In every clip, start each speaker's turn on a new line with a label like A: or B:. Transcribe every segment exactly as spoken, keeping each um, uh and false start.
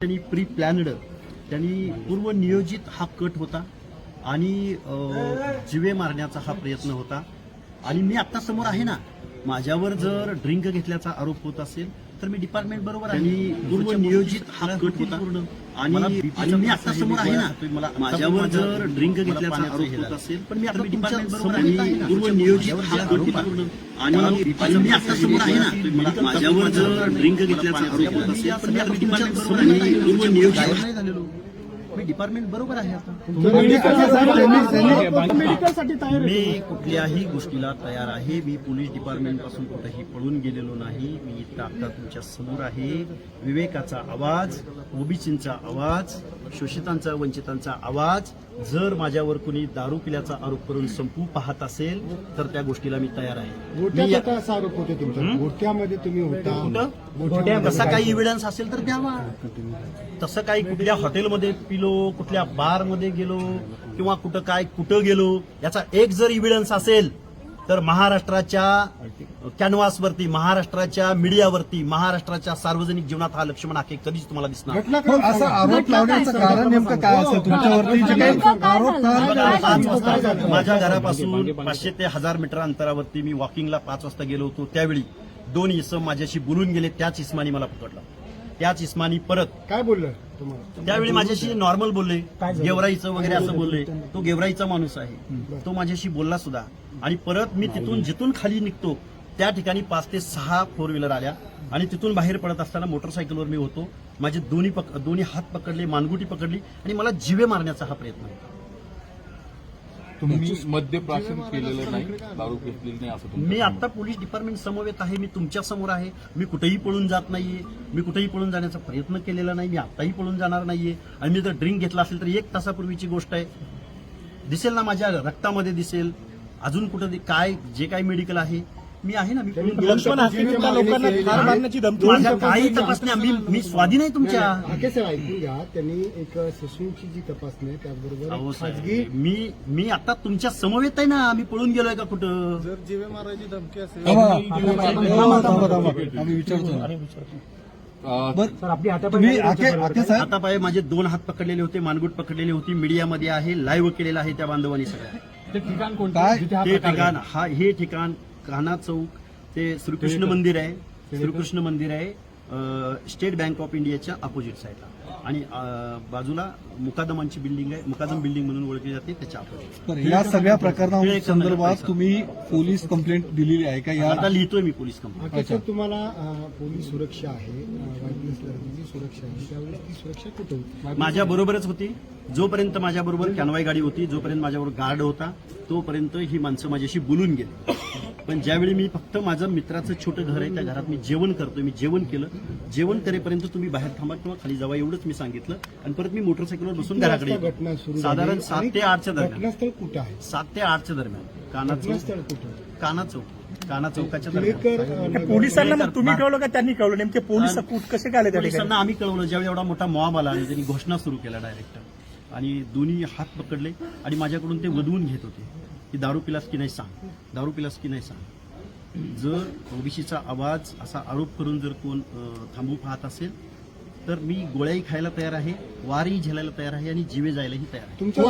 A: त्यांनी pre planned त्यांनी पूर्व नियोजित हा कट होता आणि जिवे मारण्याचा हा प्रयत्न होता. आणि मी आता समोर आहे ना, माझ्यावर जर ड्रिंक घेतल्याचा आरोप होत असेल तर मी डिपार्टमेंट बरोबर आहे. आणि पूर्व नियोजित हा कट होता आणि मी आता समोर आहे ना, मला माझ्यावर जर ड्रिंक घेतल्याचा आरोप होत असेल पण मी आता डिपार्टमेंट बरोबर आहे. पूर्व नियोजित हा कट होता आणि मी आता समोर आहे ना, मला माझ्यावर जर ड्रिंक घेतल्याचा आरोप होत असेल पण मी आता डिपार्टमेंट बरोबर आहे. पूर्व नियोजित नाही झालेलो, मी डिपार्टमेंट बरोबर आहे. आता मी कुठल्याही गोष्टीला तयार आहे. मी पोलीस डिपार्टमेंट पासून कुठेही पळून गेलेलो नाही. मी इथं आता तुमच्या समोर आहे. विवेकाचा आवाज, ओबीसींचा आवाज, शोषितांचा वंचितांचा आवाज जर माझ्यावर कुणी दारू पिल्याचा आरोप करून संपू पाहत असेल तर त्या गोष्टीला मी तयार आहे.
B: असा आरोप होते तुमच्या गोट्यामध्ये तुम्ही होता,
A: तसा काही इव्हिडन्स असेल तर द्यावा. तसं काही कुठल्या हॉटेलमध्ये पिलो, कुठल्या बारमध्ये गेलो किंवा कुठं काय कुठं गेलो याचा एक जर इव्हिडन्स असेल तर महाराष्ट्राच्या कॅनव्हासवरती, महाराष्ट्राच्या मीडियावरती, महाराष्ट्राच्या सार्वजनिक जीवनात हा लक्ष्मण हाके कधीच तुम्हाला दिसणार.
B: असा आरोप लावण्याचं कारण नेमकं काय असेल तुमच्यावरती? आरोप
A: माझ्या घरापासून पाचशे ते हजार मीटर अंतरावरती मी वॉकिंगला पाच वाजता गेलो होतो. त्यावेळी दोन इसम माझ्याशी बोलून गेले. त्याच इस्मानी मला पकडलं. त्याच इस्मानी परत
B: काय बोललं तुम्हाला?
A: त्यावेळी माझ्याशी नॉर्मल बोलले, गेवराईचं वगैरे असं बोलले. तो गेवराईचा माणूस आहे, तो माझ्याशी बोलला सुद्धा. आणि परत मी तिथून जिथून खाली निघतो त्या ठिकाणी पाच ते सहा फोर व्हीलर आल्या आणि तिथून बाहेर पडत असताना मोटरसायकलवर मी होतो. माझे दोन्ही पक दोन्ही हात पकडले, मानगुटी पकडली आणि मला जिवे मारण्याचा हा प्रयत्न होता.
C: तुम्ही मद्यप्राशन केलेलं नाही, दारू घेतलेली नाही असं
A: मी आता पोलीस डिपार्टमेंट समवेत आहे. मी तुमच्या समोर आहे. मी कुठेही पळून जात नाहीये. मी कुठेही पळून जाण्याचा प्रयत्न केलेला नाही. मी आताही पळून जाणार नाहीये. आणि मी जर ड्रिंक घेतला असेल तर एक तासापूर्वीची गोष्ट आहे. दिसेल ना, माझ्या रक्तामध्ये दिसेल. अजून कुठं काय जे काही मेडिकल आहे मी आहे ना. मी माझ्या काही तपासण्या मी मी स्वाधीन आहे तुमच्या.
B: ऐकून घ्या, त्यांनी एक ससूनची जी तपासणी आहे त्याचबरोबर खाजगी
A: मी मी आता तुमच्या समवेत आहे ना. मी पळून गेलोय का कुठं?
D: जर जीवे मारायची धमकी असेल
B: आम्ही विचारतो.
A: आता पाय माझे दोन हात पकडलेले होते, मानगुट पकडलेली होती. मीडियामध्ये आहे, लाईव्ह केलेलं आहे त्या बांधवांनी सगळ्या.
D: ते ठिकाण कोणतं?
A: ते ठिकाण हा हे ठिकाण कान्हा चौक ते श्रीकृष्ण मंदिर आहे. श्रीकृष्ण मंदिर आहे स्टेट बँक ऑफ इंडियाच्या अपोजिट साईडला. आणि बाजूला मुकादमांची बिल्डिंग आहे, मुकादम बिल्डिंग म्हणून ओळखली जाते, त्याच्या अपोजिट.
B: या सगळ्या प्रकरणासंदर्भात तुम्ही पोलीस कंप्लेंट दिलेली आहे का?
A: आता लिहितोय मी पोलीस कंप्लेंट.
B: सर, तुम्हाला पोलीस सुरक्षा आहे, सुरक्षा आहे, त्यावेळेस ती सुरक्षा कुठे होती?
A: माझ्या बरोबरच होती. जोपर्यंत माझ्या बरोबर कॅनवाई गाडी होती, जोपर्यंत माझ्याबरोबर गार्ड होता, तोपर्यंत ही माणसं माझ्याशी बोलून गेली. पण ज्यावेळी मी फक्त माझं मित्राचं छोटं घर आहे, त्या घरात मी जेवण करतोय, मी जेवण केलं. जेवण करेपर्यंत तुम्ही बाहेर थांबा किंवा खाली जावा एवढंच मी सांगितलं. आणि परत मी मोटरसायकलवर बसून घराकडे
B: घटना सुरू
A: साधारण सात ते आठच्या दरम्यान.
B: घटनास्थळ कुठं आहे?
A: सात ते आठच्या दरम्यान काना
B: घटनास्थळ कुठं?
A: काना चौक काना चौकाच्या दरम्यान.
E: पोलिसांना मग तुम्ही कळवलं का त्यांनी कळवलं? नेमके पोलीस कसे काय आले?
A: पोलिसांना आम्ही कळवलं. ज्यावेळी एवढा मोठा मॉब आला आणि त्यांनी घोषणा सुरू केला डायरेक्ट, आणि दोन्ही हात पकडले आणि माझ्याकडून ते वधवून घेत होते की दारू पिलास की नाही सांग, दारू पिलास की नाही सांग. जर ओबीसीचा आवाज असा आरोप करून जर कोण थांबू पाहत असेल तर मी गोळ्याही खायला तयार आहे, वारही झेलायला तयार आहे आणि जीवे जायलाही तयार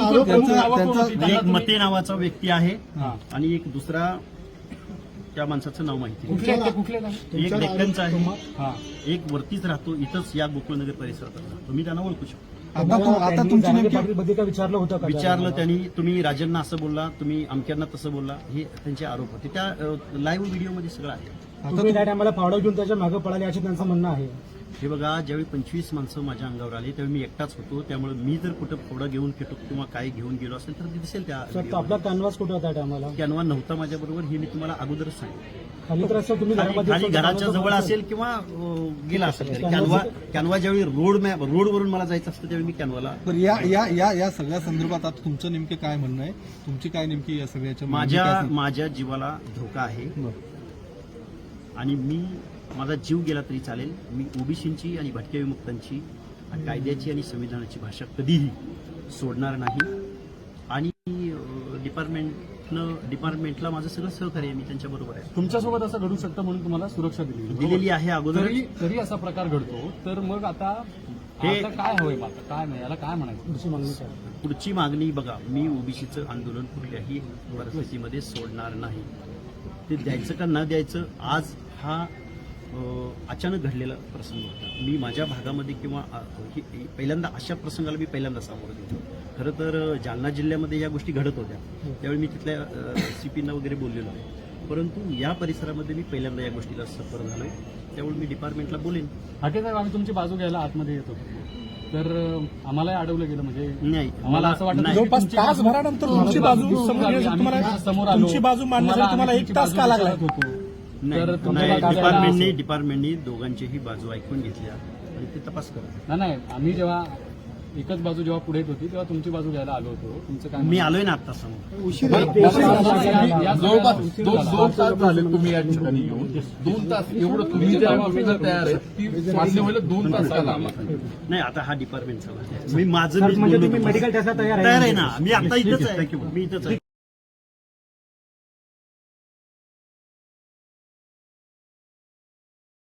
A: आहे. एक मते नावाचा व्यक्ती आहे आणि एक दुसरा त्या माणसाचं नाव माहिती नाही. एक डेक्कनचा आहे, एक वरतीच राहतो, इथंच या गोकुळनगर परिसरात राहतो. तुम्ही त्यांना ओळखू शकता.
B: आता तुमची नेमकी
E: विचारलं होतं का?
A: विचारलं त्यांनी. तुम्ही राजांना असं बोलला, तुम्ही अमक्यांना तसं बोलला, हे त्यांचे आरोप होते. त्या लाईव्ह व्हिडिओमध्ये सगळं आहे.
E: तुम्ही त्या टायमाला फावडा घेऊन त्याच्या मागे पळाले असे त्यांचं म्हणणं आहे.
A: हे बघा, ज्यावेळी पंचवीस माणसं माझ्या अंगावर आली त्यावेळी मी एकटाच होतो. त्यामुळे मी जर कुठं फोडा घेऊन फेटो किंवा काय घेऊन गेलो असेल तर ते दिसेल. त्या
E: आपला कॅनव्हास कुठं होता टायमाला?
A: कॅनवा नव्हता माझ्याबरोबर, हे मी तुम्हाला अगोदरच सांगितलं.
E: खाली तर असं तुम्ही
A: खाली घराच्या जवळ असेल किंवा गेला असेल. कॅनवा कॅनवा ज्यावेळी रोड मॅप रोडवरून मला जायचं असतं त्यावेळी मी कॅनवाला.
B: या या या या सगळ्या संदर्भात आता तुमचं नेमकं काय म्हणणं आहे? तुमची काय नेमकी या सगळ्याच्या?
A: माझ्या माझ्या जीवाला धोका आहे आणि मी माझा जीव गेला तरी चालेल. मी ओबीसींची आणि भटक्या विमुक्तांची आणि कायद्याची आणि संविधानाची भाषा कधीही सोडणार नाही. आणि डिपार्टमेंटनं डिपार्टमेंटला माझं सगळं सहकार्य आहे, मी त्यांच्या बरोबर आहे.
D: तुमच्यासोबत असं घडू शकतं म्हणून तुम्हाला सुरक्षा दिली
A: दिलेली आहे अगोदर.
D: तरी असा प्रकार घडतो तर मग आता
A: हे
C: आता काय हवंय आता काय नाही याला काय म्हणायचं
A: पुढची मागणी बघा, मी ओबीसीचं आंदोलन कुठल्याही परिस्थितीमध्ये सोडणार नाही. ते द्यायचं का न द्यायचं आज हा अ, अचानक घडलेला प्रसंग होता. मी माझ्या भागामध्ये किंवा अ, ही- ही- पहिल्यांदा अशा प्रसंगाला मी पहिल्यांदा सामोरं गेलो. खरं तर अ, जालना जिल्ह्यामध्ये या गोष्टी घडत होत्या, त्यावेळी मी तिथल्या सीपींना वगैरे बोललेलो आहे. परंतु या परिसरामध्ये मी पहिल्यांदा या गोष्टीला सफर झालोय, त्यामुळे मी डिपार्टमेंटला बोलेन.
C: हाके साहेब आम्ही तुमची बाजू घ्यायला आतमध्ये येतो तर अं, आम्हालाही अडवलं गेलं म्हणजे
A: नाही
C: आम्हाला असं वाटत
A: नाही.
E: जवळपास तासभरानंतर तुमची बाजू समोर तुम्हाला
C: समोर आलो
E: तुमची बाजू मांडण्यासाठी तुम्हाला एक तास का लागलाय?
A: नाही,
C: तर तुमच्या
A: नाही,
C: बाजूला
A: डिपार्टमेंटने
C: असेल.
A: डिपार्टमेंटनी दोघांचीही बाजू ऐकून घेतल्या आणि ते तपास करा.
C: नाही नाही आम्ही जेव्हा एकच बाजू जेव्हा पुढे येत होती तेव्हा तुमची बाजू घ्यायला आलो होतो. तुमचं काय
A: मी आलोय ना आता समोर.
B: उशीर
C: जवळपास दोन दोन तास झाले तुम्ही या ठिकाणी येऊन दोन तास एवढं तुम्ही ज्या बाबतीत तयार आहे ती मान्य व्हायला दोन तास का लागला
A: नाही, आता हा डिपार्टमेंटचा भाग आहे. मी माझं मी मेडिकल टेस्टला तयार आहे ना. मी आता इथंच आहे, मी इथंच आहे.